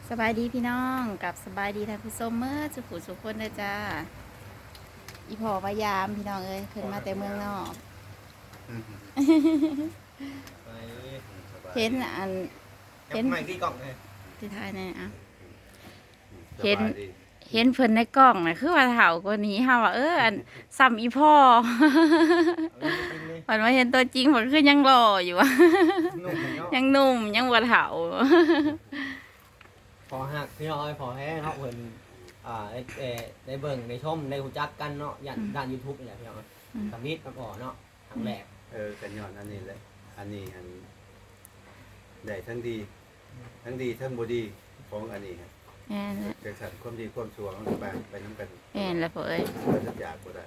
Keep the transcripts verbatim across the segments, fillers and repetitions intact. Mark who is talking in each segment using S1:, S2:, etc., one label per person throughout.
S1: สบายดีพี่น้องกับสบายดีท่านผู้ชมเมื่อสุขุสุขคนเลยจ้าอีพอพยายามพี่น้องเอ้ยเพิ่นมาแต่เมืองนอก
S2: ไป
S1: เห็นอัน
S2: เห็นใหม่ที่กล่องเลย
S1: ที่ท้ายเนี่ยอ่ะ
S3: ส
S1: เห็น
S3: บายดี
S1: เห็นเพิ่นในกล้องน่ะคือว่าเฒ่ากว่านี้เฮาว่าเอออันซ้ำอีพ่อ
S2: เอาจริงเลย
S1: วันมาเห็นตัวจริงเพิ่นคือยังหล่ออยู่อะ
S2: นุ่มเนาะ
S1: ยังหนุ่มยังบ่เฒ่า
S2: พอหักพี่น้องเอ้ยพอแห้เนาะเพิ่นอ่าได้ได้ได้เบิ่งได้ชมได้รู้จักกันเนาะย่านด้าน YouTube นี่แหละพี่น้องสำนิดกับอ๋อเนาะครั้งแรก
S3: เออกันย้อนอันนี้แหละอันนี้อันได้ทั้งดี ทั้งดีทั้งบ่ดีของอันนี้ครับ
S1: แม่นแหละ
S3: จังสันความดีความชั่วมันก็ไปไปนํกัน
S1: แม่นแล้วพ่อเอ้ย
S3: บ่จะจากบ่ได้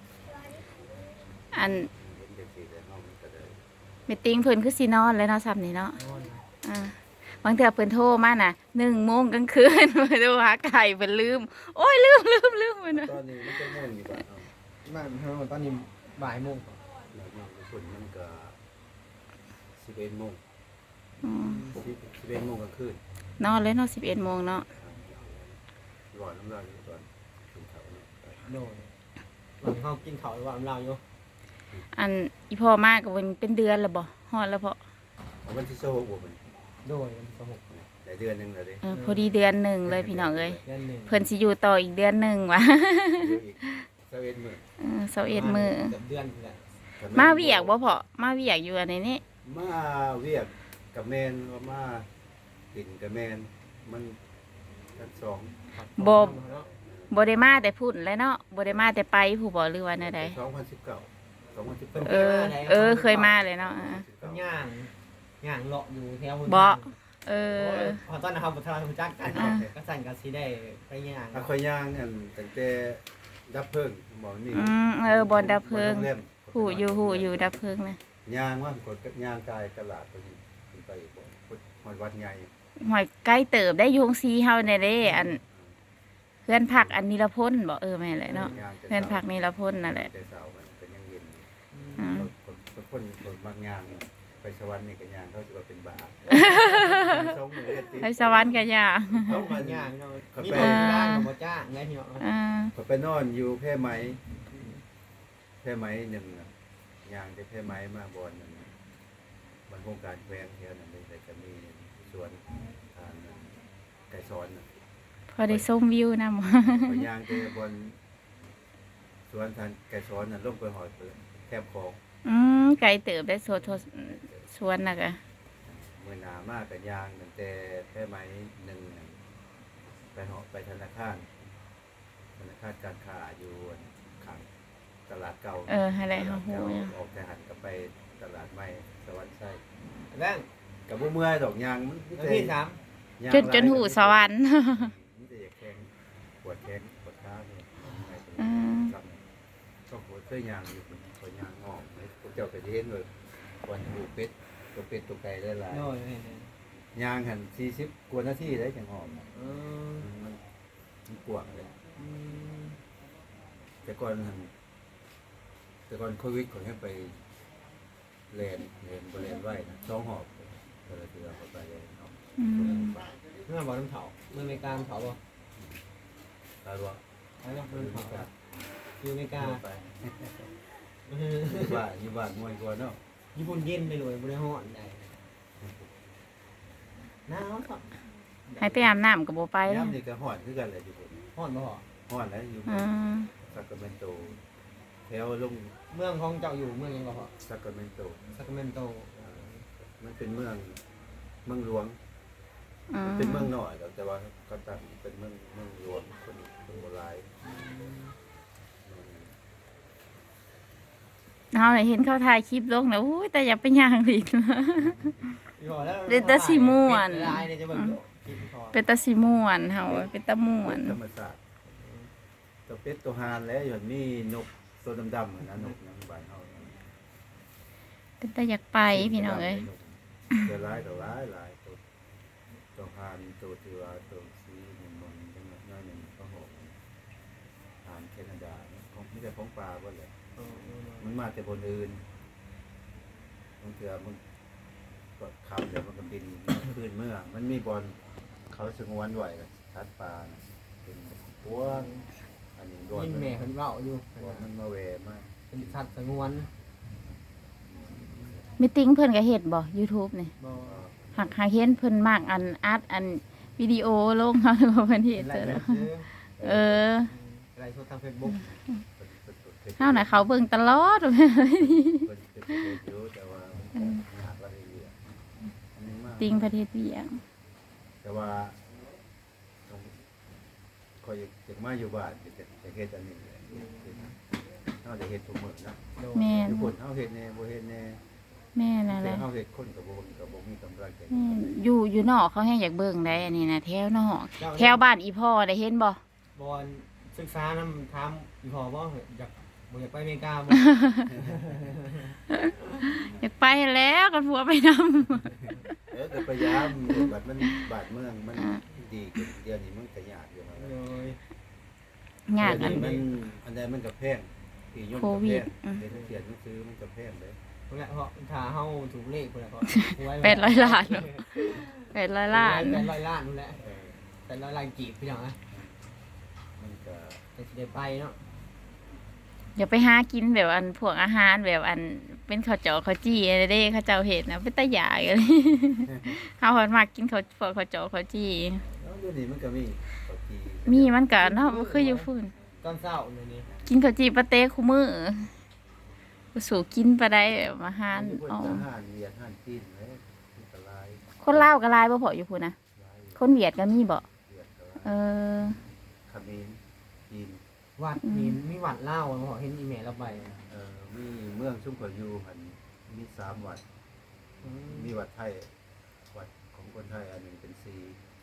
S1: อัน
S3: เห็นจังซี่แล้วเนาะมันก็ได้
S1: มีติ้งเพิ่นคือสินอนแล้วเนาะซ้ำนี่เนาะ
S2: นอน
S1: อ่าบางเทื่อเพิ่นโทรมาน่ะหนึ่งโมงกลางคืน มาดูหาไก่เพิ่นลืม โอ้ยลืมลืมลืมเพิ่นว่า
S3: ตอนนี้มันก็ม่วงอยู่บ้านเนาะ
S2: บ้านเฮาตอนนี้บ่ายโมง
S3: แล้วน้องทุกคนมันก็สิบเอ็ดโมง
S1: อืม
S3: สิบเอ็ดโมงกลางคืน
S1: นอนเลยเนาะสิบเอ็ดโมงเนาะ
S3: ร้อนน้ำลายอยู่ก่อนกินข้าวเนาะ
S2: โดนหลังเฮากินข้าวว่าเราอยู่
S1: อันอีพ่อมาก็เป็นเป็นเดือนแล้วบ่ฮอดแล้วพ่อ
S3: เอาวันที่โซ่บ่มัน
S2: โดยวันที่สิบหก
S3: ได้เดือนหนึงแล้วเด้
S1: เออพอดีเดือนหนึ่งเลยพี่น้องเอ้ย
S2: เดือนหนึง
S1: เพิ่นสิอยู่ต่ออีกเดือนหนึ่งว่ะ
S3: เหลืออีกสิบเอ็ดมื้อ
S1: เออสิบเอ็ดมื้อ
S2: เกือบเดือนนี่แหละ
S1: มาเวียกบ่พ่อมาเวียกอยู่อันนี้นี่
S3: มาเวียกกับแมนว่ามากินกับแมนมันทั้งสอง
S1: บ่
S2: เนาะ
S1: บ่ได้มาแต่พุ่นแล้วเนาะบ่ได้มาแต่ไปผู้บ่หรือว่าแนวใด
S3: สองพันสิบเก้าสองพันสิบ
S2: เพิ่
S3: เก้าน
S1: เออ เออเคยมาเลยเนาะอ่า
S2: ย่างย่างเลาะอยู่แถว
S1: บ่เอ
S2: เอ
S1: อ
S2: พอตอนนะครับพอทราบจักกัน
S1: อ่า
S2: ก็สั่นก็สิได้ไปย่าง
S3: ถ้าคอยย่างอันตั้งแต่ดับเพลิงหมอนี่
S1: อืมเออบอนดับเพลิง
S3: โรงแรม
S1: หูอยู่หูอยู่ดับเพลิงนะ
S3: ย่างว่ากดย่างกายตลาดไปนี่ขึ้นไปบ่หอดวัดใหญ่
S1: หอยใกล้เติบได้อยุงซีเฮาในเด้อันเพื่อนพักอันนิรพลบอกเออแม่นแหละเนาะ
S3: ย่างแต่
S1: เพื่อนพักนิรพลนั่นแหละ
S3: แต่เช้ามันเป็นยังเย็นอยู่
S1: อืม
S3: คนคนคนคนบางย่างเนี่ยไปสวรรค์นี่ก็ย่างเขาจะว่าเป็นบาปสองมื้อเฮ็ดติด
S1: ไปสวรรค์กันยา
S2: ต้องมาย่างเนาะ
S3: ครับ
S2: มีคนจ้างกับบ่จ้างไงพี่เนาะ
S1: อ่า
S3: ก็ไปนอนอยู่แพร่ไหมแพร่ไหมหนึ่งน่ะย่างได้แพร่ไหมมาบอนหนึ่งมันโครงการแขวงเทียนนั่นเลยแต่จะมีสวนทานไก่ซ้อนน่ะ
S1: พอได้ส้มวิวนะหมอ
S3: ไปย่างไปบนสวนทานไก่ซ้อนน่ะลงไปหอยเปิดแคบคลอง
S1: อืมไกลเติบได้โซโทสวนนะกะ
S3: มือหนามากกับยางตั้งแต่แพร่ไหมหนึ่งน่ะไปเหาะไปธนาคารธนาคารการค้าอยู่ขังตลาดเก่า
S1: เอออะไรเฮาฮู้
S3: เก่า
S1: เนี่ย
S3: ออกแต่หันก็ไปตลาดใหม่สวรรค์ไส้
S2: แล้ง
S3: กับบ่เมื่อยดอกยางมันมี
S2: แล้ว
S3: แต่
S2: ที่สาม
S3: ยาง
S1: จนจนหูสวรรค์
S3: มีแต่อยากแข้งปวดแข้งปวดขาเนี่ยไม่เป็น
S1: อืม
S3: ครับก็ปวดเคยยางอยู่ปวดยางงอกเลยพวกเจ้าก็จะเห็นเลยวันหูเป็ดตัวเป็ดตัวไก่ได้หลาย
S2: โน่ยนี่
S3: ยางหันสี่สิบกว่านาทีได้จังหอม
S2: ๆเออ
S3: มันมันกวางเลย
S2: อืม
S3: แต่ก่อนหันแต่ก่อนโควิดเขาให้ไปเรียนเรียนบริเรียนไหวนะสองหอบก็เลยคือเอาไปเรียนเนาะ
S1: อืม
S2: เมื่อบอกน้ำเผาเมื่ออเมริกาน้ำเผาบ่
S3: ตาลัว
S2: แล้วก็
S3: คือ
S2: น้ำ
S3: ไม่
S2: เผาก
S3: ล้า
S2: อยู่อเมริกา
S3: ไป
S2: เออ
S3: อยู่บ้านอยู่บ้านมวยกว่าเนาะ
S2: ญี่ปุ่นเย็นไปเลยบ่ได้ฮ้อนได้หนาวครับ
S1: ให้ไปอาบน้ำกับโบไปแล้ว
S3: ย้ำนี่ก็ห่อนคือกันแหละอยู่บน
S2: ฮ้อนบ่ฮอ
S3: ห่อนแล้วอยู่บ
S1: อื
S3: น
S1: ม
S3: ซักเมนโตแถวลง
S2: เมืองของเจ้าอยู่เมืองหยังบ่ฮอ
S3: ซักเมนโต
S2: ซัคราเมนโต
S3: มันเป็นเมืองเมืองหลวง
S1: อื
S3: เป็นเมือง
S1: ม
S3: น้อยแต่ว่าก็ตั้งเป็นเมืองเมืองหลวงคนคนโบราณ
S1: เอาให้เห็นเขาถ่ายคลิปลงนะอุ้ยแต่อย่าไปย่างอีกนะ
S2: อยู่แล้ว
S1: เดี๋ยวจะสิม่วน
S2: เป็ลายเนี่ยจะเบิ่งอยู่กินพอ
S1: เป็นตาสีม่วนเฮาเป็นตาม่วน
S3: ธรรมศาสตร์ตัวเป็ดตัวหานแล้วอย่างนี้นกตัวดำๆอะนะนกนังบ้านเฮา
S1: เป็นตาอยากไปพี่น้องเอ้ย
S3: ตัวร้ายตัวร้ายหลายตัวตัวหานตัวที่ว่าตัวสีหนึ่งมันจังหวะน้อยหนึ่งก็หกหานแคนาดาเนี่ยของไม่ใช่ของปลาบ่เลย
S2: เออเออ
S3: มันมาแต่บนอื่นบางเถื่อมันก็ขับเดี๋ยวมันก็บินขึ้นเมื่อ มันมีบอลเขาสงวนไว้ก็ชัดปลาน่ะเป็นพวงอันนี้โดน
S2: ยิน
S3: มัน
S2: แม่เพิ่นเว้าอยู่
S3: โดนมันมาแหวมาก
S2: เป็นสัตว์สงวน
S1: มีติ้งเพิ่นก็เฮ็ดบ่ YouTube นี่
S2: บ่
S1: หักหาเห็นเพิ่นมากอันอัดอันวิดีโอลง เฮาหรือว่าเพิ่นเฮ็ด
S2: ไล
S1: เจอ
S2: ฟ์
S1: แล้ว
S2: ซื้อ
S1: เออ
S2: ไลฟ์สดทาง Facebook
S1: เฮาน่ะเขาเบิ่งตลอด
S3: เพิ่นเป็นประโยชน์อยู่แต่ว่ามันก็ยากรายละเอียดอันนี้มาก
S1: ติ้งประเทศเวียง
S3: แต่ว่าต้องคอยอยากมาอยู่บ้านจะจะเฮ็ดอันนี้แหละเฮาจะเฮ็ดทุกมื้อนะ
S2: โดย
S1: แม่น
S3: อยู่คนเฮาเฮ็ดแน่บ่เฮ็ดแน่
S1: แม่นั่นแห
S3: แต่
S1: ละ
S3: เฮาเฮ็ดคนก็บ่ก็บ่มีกำลังใจ
S1: แม่นอยู่อยู่นอกเขาแฮงอยากเบิ่งได้อันนี้นะแถวนอก
S2: เจ้า
S1: แถวบ้านอีพ่อได้เห็นบ่
S2: บอลศึกษานำถามอีพอบ่อยากบ่อยากไปอเมริกาบ่
S1: อยากไปแล้วกันผัวไปนำ
S3: เออก็พยายามบัดมันบาดเมืองมันดีขึ้นเดี๋ยวนี้มันก็ยากอยู่นะ
S2: โดย
S1: งาน
S3: อั
S1: อั
S3: น
S1: น
S3: มันอันใดมันก็แพงที่ยนต์
S1: โค
S3: ก็
S1: วิ
S3: แพ
S1: ด
S3: ง
S1: อืม
S3: เรียนเขียนหนังสือมันก็แพงเลย
S2: พุ่นแหละเพราะถ้าเฮาถูกเลขพุ่นแหละก็หวย
S1: แปดร้อยล้านเนอะ แปดร้อยล้าน
S2: แปดร้อยล้านนู่นแหละ
S3: เออ
S2: แปดร้อยล้านกีบพี่น้องนะ
S3: มันก็
S2: จะสิได้ไปเนาะ
S1: อย่าไปหากินแบบอันพวกอาหารแบบอันเป็นข้าวเจาะข้าวจี้อะไรเด้ข้าวเจ้าเห็ดนะเป็นตาหยากันเลย เฮาหอนมากกินข้าวพวกข้าวเจาะข้าวจี้
S3: แล้วเดี๋ยวนี้มันก็มีปกติ
S1: มีมันก็เนาะบ่คืออยู่ฝุ่น
S2: ตอนเช้ามื้อนี้
S1: กินข้าวจี้ปะเต้คู่มื้อก็สู่กินไปได้แบบอาหาร
S3: มีพวก
S1: อ๋อ
S3: ทหารเวียดทหารจีนเลยอันตราย
S1: คนลาวก็หลายบ่พออยู่พุ่นนะ
S3: หลาย
S1: คนเวียดก็มีบ่
S3: เวียดก็
S1: เอ
S3: หลาย
S1: อ
S3: เขมรจีน
S2: วัดนี่มีวัดเล่าวบ่เห็นอีเมลเราไป
S3: เอ่อมีเมืองชุมพรอยู่หันมีสามวัด
S2: อืม
S3: มีวัดไทยวัดของคนไทยอันหนึ่งเป็นสี่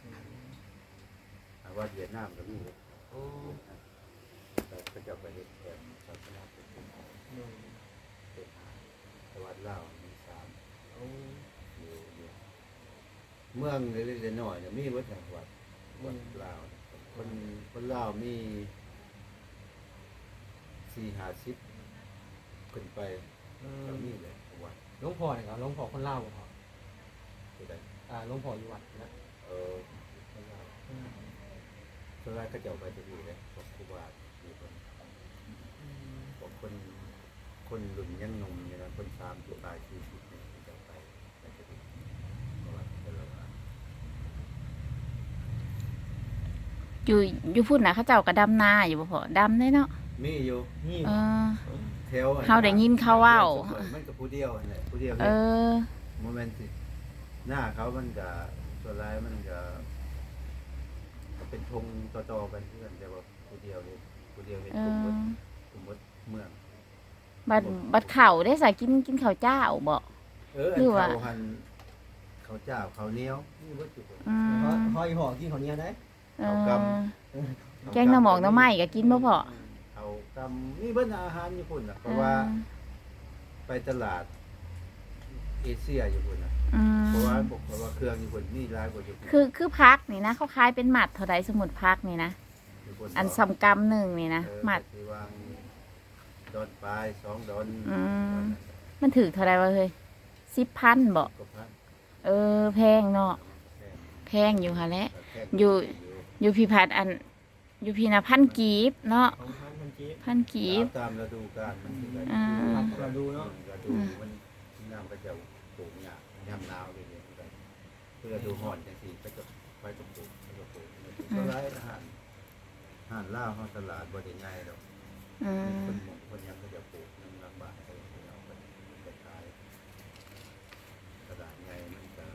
S3: อ่าวัดเวียดนามก็มี
S2: โอ้
S3: แต่ก็จะไปเฮ็ดแบบศาสนาพุทธ
S2: โดย
S3: เป็นห้าแต่วัดลาวมีสาม
S2: โอ้
S3: อยู่อยู่เมืองเล็กๆน้อยๆเนี่ยมีวัดแห่งวัดวัดลาวคนคนลาวมีสี่ห้าสิบขึ้นไป
S2: เอ
S3: ก็
S2: อ
S3: มีเลยวัด
S2: หลวงพ่อนี่ก็หลวงพ่อคนลาวบ่พ่อ
S3: ที่ใด
S2: อ่าหลวงพ่ออยู่วัดนะ
S3: เออคนลาว
S2: อืม
S3: ส่วนใหญ่ก็จะเอาไปจะอยู่เลยพวกครูบาอยู่คน
S2: อืม
S3: พวกคนคนหลุ่นยังหนุ่มอยู่นะคนสามตัวตายสี่สิบเนี่ยจะเอาไปไปจะอยู่เพราะว่าเป็นเราว่า
S1: อยู่อยู่พุ่นน่ะเขาเจ้าก็ดำนาอยู่บ่พอดำได้เนาะ
S3: มีอยู่
S2: นี่
S1: เออ
S3: แถวอัน
S1: เฮาได้ยินเขาเว้า
S3: มันก็ผู้เดียวนั่นแหละผู้เดียว
S1: เอ
S3: เฮ็ด
S1: อ
S3: โมเมนต์สิหน้าเขามันก็ตัวร้ายมันก็ก็เป็นธงต่อๆกันเพื่อนแต่ว่าผู้เดียวเฮ็ดผู้เดียวเฮ็ด
S1: เอก
S3: ลุ่มหม
S1: อ
S3: ดกลุ่มหมดเมือง
S1: บัดบัดข้าวได้ใส่กินกินข้าวเจ้าบ่
S3: เอออั
S1: หรื
S3: น
S1: อว่า
S3: เขาหันเขาวเจ้าเขาวเหนียวนี่วัตถุ
S1: อื
S2: พอ
S1: ม
S2: พออีพ่อกินข้าวเหนียวได้
S1: เอ
S3: เขา
S1: อก
S3: ำ
S1: แกงหน่อหมอกหน่อไม้ก็กินบ่พอ
S3: เขากำนี่เบิ้นอาหารญี่ปุ่นน่ะเพราะว่าไปตลาดเอเชียญี่ปุ่นน่ะ
S1: อืม
S3: เพราะว่าบอกเพราะว่าเครื่องญี่ปุ่นมีหลายกว่าญี่ปุ่น
S1: คือคือพักนี่นะเขาขายเป็นหมัดเท่าใดสมุดพักนี่นะ
S3: ญี่ปุ่
S1: อัน
S3: เาะ
S1: สำกำหนึ่งนี่นะ
S3: เออ
S1: หมัด
S3: ที่วางดอนปลายสองดอน
S1: อืม มันถือเท่าใดวะเฮ้ยสิบพันบ่
S3: ก็พัน
S1: เออแพงเนาะ
S3: แพง
S1: แพงอยู่ค่ะแหละ
S3: แพง
S1: อยู่ อยู่พี่พัดอัน อยู่พี่นะพันกีบเนาะ
S2: ของท่านมันจี
S1: พันกีบ
S3: ตามฤดูกาลมันคืออะไร
S1: อ่า
S2: เราดูเนาะ
S3: ฤดูมันน้ำก็จะปลูกเนี่ยยามหนาวเลยเนี่ยมันก็คือฤดูร้อนจังซี่ก็จะไปก็ปลูกไปก็ปลูกก็หลายอาหารอาหารลาวเฮาตลาดบ่ได้ใหญ่ดอก
S1: อืม
S3: คนหมู่คนยังก็จะปลูกน้ำลำบากไปเอาไปไปขายตลาดใหญ่มันก็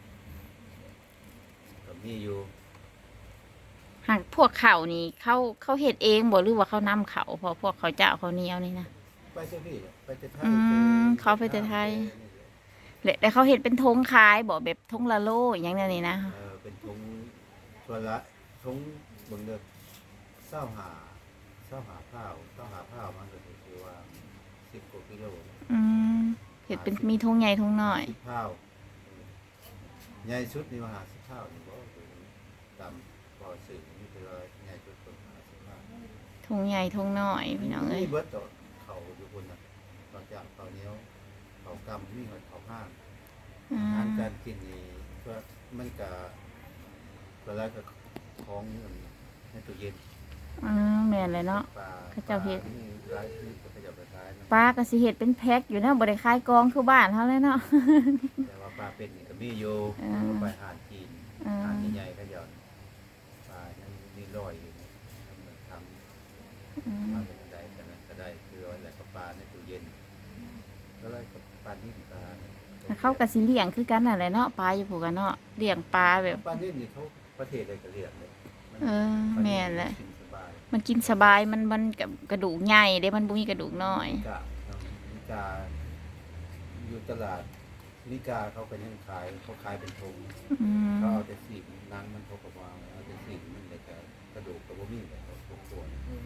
S3: ก็มีอยู่
S1: หากพวกเขานี่เขาเขาเฮ็ดเองบ่หรือว่าเขานำเขาเพอพวกเขาเจ้าเขาเหนียวนี่นะ
S3: ไปเจ้าพี่ไปเจ้าไทย
S1: อืมเขาไปแต่ไทย และแต่เขาเฮ็ดเป็นธงขายบ่แบบธงละโลอหย่างนั้นนี่นะ
S3: เออเป็นทงตัวละทงเบิ่งเด้อเศร้าหาเศร้าหาข้าวเศร้าหาข้าวมันก็คือว่าสิบกว่ากิโล
S1: อืมเฮ็ดเป็นมีธงใหญ่ธงน้อย
S3: สิบข้าวใหญ่สุดนี่ว่าหาสิบข้าวนี่บ่คือตามพอสื่อนี่คือว่าใหญ่สุดคนหาสิบข้าว
S1: ธงใหญ่ธงน้อยพี่น้องเอ้ย
S3: มีเบิดต่อเขาอยู่คนน่ะนอกจากเขาเหนียวเขากำมีเขาเขาห้าง
S1: อื
S3: อาหาร
S1: ม
S3: การกินนี่ก็มันก็ก็แล้วก็ของในตู้เย็น
S1: อ่าแม่นเลยเนาะ
S3: ปลา
S1: เขาเจ้าเฮ็ด
S3: ปลนี่หลายที่เขาเจ้าไปขายนะ
S1: ปลาก็สิเฮ็ดเป็นแพ็คอยู่เนาะบ่ได้ขายกองคือบ้านเฮาเลยเนาะ
S3: แต่ว่าปลาเป็นนี่ก็มีอยู่
S1: อ่า
S3: เอาไปหาดจีน
S1: อ่า
S3: หาดใหญ่ๆก็หย่อนปลายังมีรอยอยู่นี่ทำเหมือนท
S1: อื
S3: ำ
S1: ม
S3: มาเป็นไดกันนะก็ได้คือเอาแหละก็ปลาในตู้เย็นก็เลยกับปลานิ่มปลา
S1: เขาก็สิเลี้ยงคือกันนั่นแหละเนาะปลาอยู่ผูกกันเนาะเลี้ยงปลาแบบ
S3: ปลานิ่มนี่เขาประเทศอะไรก็เรียกเลยมัน
S1: เออ
S3: ปลา
S1: แม่นแหละ
S3: กินสบาย
S1: มันกินสบายมันมันกับกระดูกใหญ่เด้มันบ่มีกระดูกน้อย
S3: นิกาเนาะนิกาอยู่ตลาดนิกาเขาเป็นยังขายเขาขายเป็นถุง
S1: อืม
S3: เขาเอาแต่สีกนางมันเขาก็วางเอาแต่สีกมันแต่ก็กระดูกกับว่ามีแต่เขาทุกตัว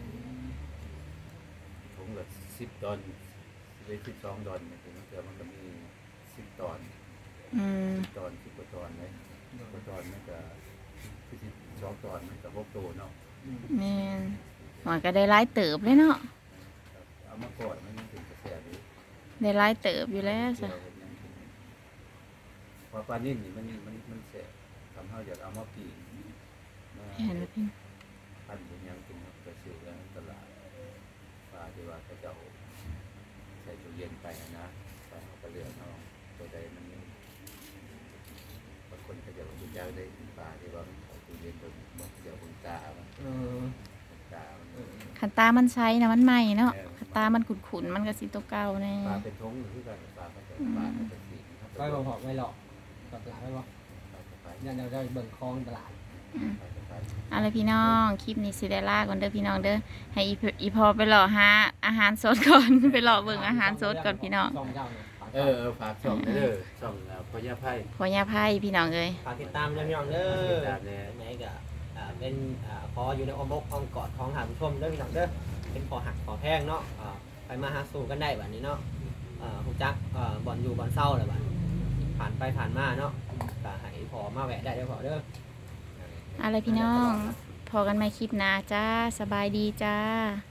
S3: ถุงละสิบดอนเลยสิบสองดอนเนี่ยถึงเจอมันก็มีสิบตอน
S1: อืม
S3: สิบตอนสิบกว่าตอนเลยสิบกว่าตอนมันก็คือสิบสองตอนมันก็หกตัวเนาะ
S1: แม่นมันก็ได้หลายเติบเลยเนาะ
S3: เอามาก่อนมันยังถึงกระแสดี
S1: ได้หลายเติบอยู่แล้วจ้ะ
S3: พอปลานิ่มนี่มันมันมันแสบทำให้อยากเอามาปีนมา
S1: เห็นแล้วพี่
S3: พันเป็นยังกินกระสิวแล้วตลาดปลาที่ว่าเขาจะเอาใส่ตู้เย็นไปนะไปเอาไปเลือกเอาตัวใดมันบางคนเขาจะเอาตู้ยาวได้ปลาที่ว่ามันเอาตู้เย็นตัวมันจะเอาบนตามัน
S2: เออ
S3: ตามัน
S1: คันตามันใช้นะมันใหม่เนาะคันตามันขุ่นๆมันก็สิตัวเก่าแน่
S3: ปลาเป็นทงหรือปลาปลาเขาจะปลาเขาจะสี
S2: ไปบ่หอกไม่หลอกก็จะไปบ่ยันเราได้เบิ่งคลองตลาด
S1: เอาล่ะพี่น้องคลิปนี้สิได้ลาก่อนเด้อพี่น้องเด้อให้อีพอีพอไปหล่อหาอาหารสดก่อน ไปหล่อเบิ่งอาหารสดก่อนพี่น้อง
S2: ช่องเจ้าเนี่ย
S3: เออเออฝากช่องเด้อช่องพญาไพ่
S1: พอย่าไพ่พี่น้องเอ้ย
S2: ฝากติดตามด้วยพี่น้องเด้อ
S3: ติดตามแน่
S2: ไหนก็อ่าเป็นอ่าพออยู่ในอ้อมอกอ้อมกอดของหาผู้ชมเด้อพี่น้องเด้อเป็นพอหักพอแพงเนาะอ่าไปมาหาสู่กันได้แบบนี้เนาะอ่าฮู้จักอ่าบ่อนอยู่บ่อนเศร้าเลยบัดผ่านไปผ่านมาเนาะก็ให้พอมาแวะได้เด้อพอเด้อ
S1: เอาล่ะพี่น้องพอกันใหม่คลิปหน้าจ้าสบายดีจ้า